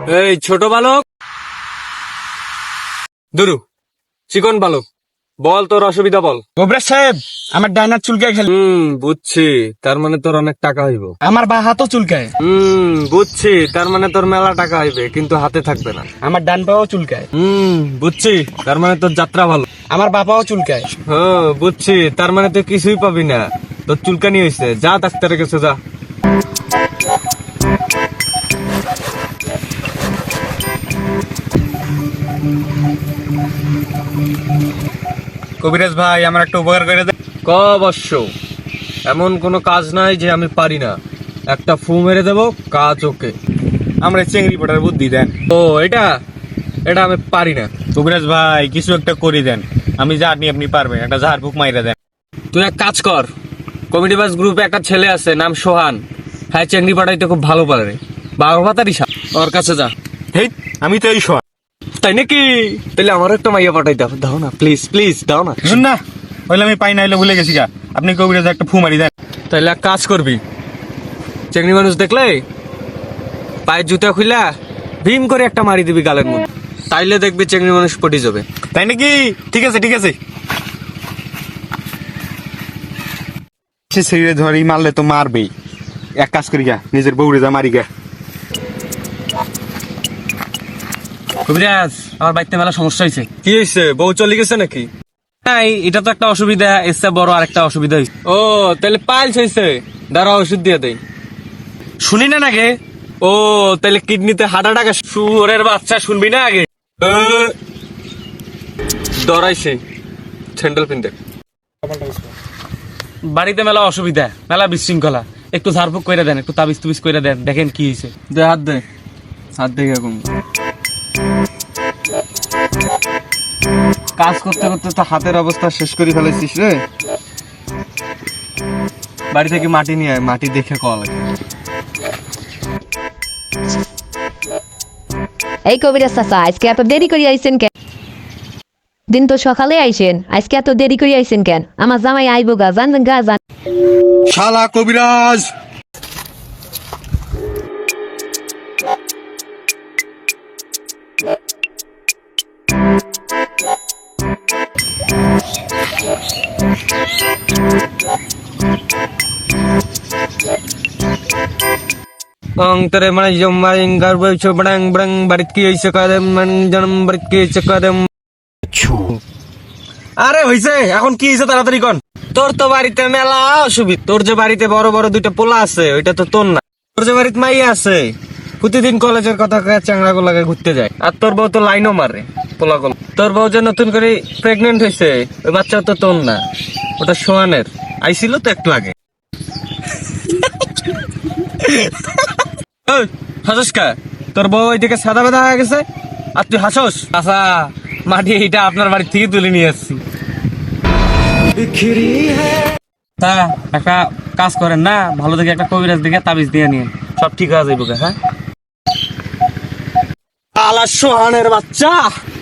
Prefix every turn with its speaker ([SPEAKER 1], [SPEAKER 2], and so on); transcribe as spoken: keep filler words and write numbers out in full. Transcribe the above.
[SPEAKER 1] এই ছোট বালক, দুরু চিকন বালক, বল তোর অসুবিধা বল।
[SPEAKER 2] গোবরা সাহেব, আমার ডাইনার চুলকায় খেলে।
[SPEAKER 1] হুম বুঝছি, তার মানে তোর অনেক টাকা হইব।
[SPEAKER 2] আমার বা হাতও চুলকায়।
[SPEAKER 1] হুম বুঝছি, তার মানে তোর মেলা টাকা হইবে, কিন্তু হাতে থাকবে না।
[SPEAKER 2] আমার ডান পাও চুলকায়।
[SPEAKER 1] হুম বুঝছি, তার মানে তোর যাত্রা ভালো।
[SPEAKER 2] আমার বাপাও চুলকায়।
[SPEAKER 1] হ্যাঁ বুঝছি, তার মানে তুই কিছুই পাবি না, তোর চুলকানি হয়েছে। যা ডাক্তারের কাছে যা।
[SPEAKER 2] কবিরাজ ভাই, আমার একটা উপকার করে দেন।
[SPEAKER 1] ক অবশ্য, এমন কোনো কাজ নাই যে আমি পারি না। একটা ফু মেরে দেবো, কাজ ওকে।
[SPEAKER 2] আমরা চেংড়ি পটার বুদ্ধি দেন।
[SPEAKER 1] ও এটা এটা আমি পারি না।
[SPEAKER 2] কবিরাজ ভাই, কিছু একটা করে দেন। আমি জানি আপনি পারবেন, একটা ঝাড় ফুক মাইরা দেন।
[SPEAKER 1] তুই এক কাজ কর, কমেডি বাস গ্রুপে একটা ছেলে আছে নাম সোহান, হ্যাঁ চেংড়ি পাঠাইতে খুব ভালো পারে, বারো ভাতারি সাপ, ওর কাছে যা।
[SPEAKER 2] হেই, আমি তো এই শোয়া।
[SPEAKER 1] তাই নাকি? তাহলে আমার একটা মাইয়া পাঠাই দাও, দাও না প্লিজ প্লিজ, দাও না।
[SPEAKER 2] শুন না, হইলে আমি পাই না, হইলে ভুলে গেছি গা। আপনি কবিরাজ একটা ফু মারি দেন।
[SPEAKER 1] তাইলে এক কাজ করবি, চেংড়ি মানুষ দেখলে পায়ের জুতা খুইলা ভীম করে একটা মারি দিবি গালের মধ্যে, তাইলে দেখবি চেংড়ি মানুষ পটি যাবে।
[SPEAKER 2] তাই নাকি? ঠিক আছে ঠিক আছে। সে ছেড়ে ধরি মারলে তো মারবেই। এক কাজ করি গা, নিজের বউরে যা মারি গা।
[SPEAKER 3] কবিরাজ, আমার বাড়িতে মেলা সমস্যা হয়েছে।
[SPEAKER 1] কি হয়েছে, বউ চলে গেছে নাকি?
[SPEAKER 3] নাই, এটা তো একটা অসুবিধা, এর চেয়ে বড় আর একটা অসুবিধা হয়েছে।
[SPEAKER 1] ও তাহলে পাইলস হয়েছে, দাঁড়া ওষুধ দিয়ে দেয়।
[SPEAKER 3] শুনি না নাকি?
[SPEAKER 1] ও তাহলে কিডনিতে হার্ট অ্যাটাক।
[SPEAKER 3] শুয়োরের বাচ্চা, শুনবি না আগে?
[SPEAKER 1] ডরাইছে, স্যান্ডেল পিনতে।
[SPEAKER 3] বাড়িতে মেলা অসুবিধা, মেলা বিশৃঙ্খলা। একটু ঝাড়ফুক করে দেন, একটু তাবিজ তুবিজ করে দেন, দেখেন কি হয়েছে।
[SPEAKER 1] দে হাত দে, হাত দেখে এখন কাজ করতে করতে তো হাতের অবস্থা শেষ করে ফেলেছিস রে। বাড়ি থেকে মাটি নিয়ে আয়, মাটি দেখে কল।
[SPEAKER 4] এই কবিরাজ চাচা, আজকে এত দেরি করে আইছেন কেন? দিন তো সকালে আইছেন, আজকে এত দেরি করে আইছেন কেন? আমার জামাই আইবো গা, জান গা জান।
[SPEAKER 2] শালা কবিরাজ!
[SPEAKER 1] অং তরে মানে জমাইং গারবে ছবড়াং বড়ং বাড়িত কি হইছে কাদেম মান জনম বাড়িত কি হইছে কাদেম।
[SPEAKER 2] আরে হইছে, এখন কি হইছে তাড়াতাড়ি কোন।
[SPEAKER 1] তোর তো বাড়িতে মেলা অসুবিধা। তোর যে বাড়িতে বড় বড় দুইটা পোলা আছে, ওইটা তো তোর না। তোর যে বাড়িতে মাইয়া আছে, প্রতিদিন কলেজের কথা কয়ে চ্যাংড়া গোলাকে ঘুরতে যায়। আর তোর বউ তো লাইনও মারে পোলা গোল। তোর বউ যে নতুন করে প্রেগনেন্ট হয়েছে, ওই বাচ্চা তো তোর না, ওটা সোহানের। আইছিল তো একটু আগে। হাসস কা? তোর বউ ওইদিকে সাদা বেদা হয়ে গেছে আর তুই হাসস? আচ্ছা, মাটি এইটা আপনার বাড়ি থেকে তুলে নিয়ে আসছি।
[SPEAKER 3] তা একটা কাজ করেন না, ভালো দেখে একটা কবিরাজ দেখে তাবিজ দিয়ে নিন, সব ঠিক হয়ে যাইব। হ্যাঁ,
[SPEAKER 1] আলা সোহানের বাচ্চা।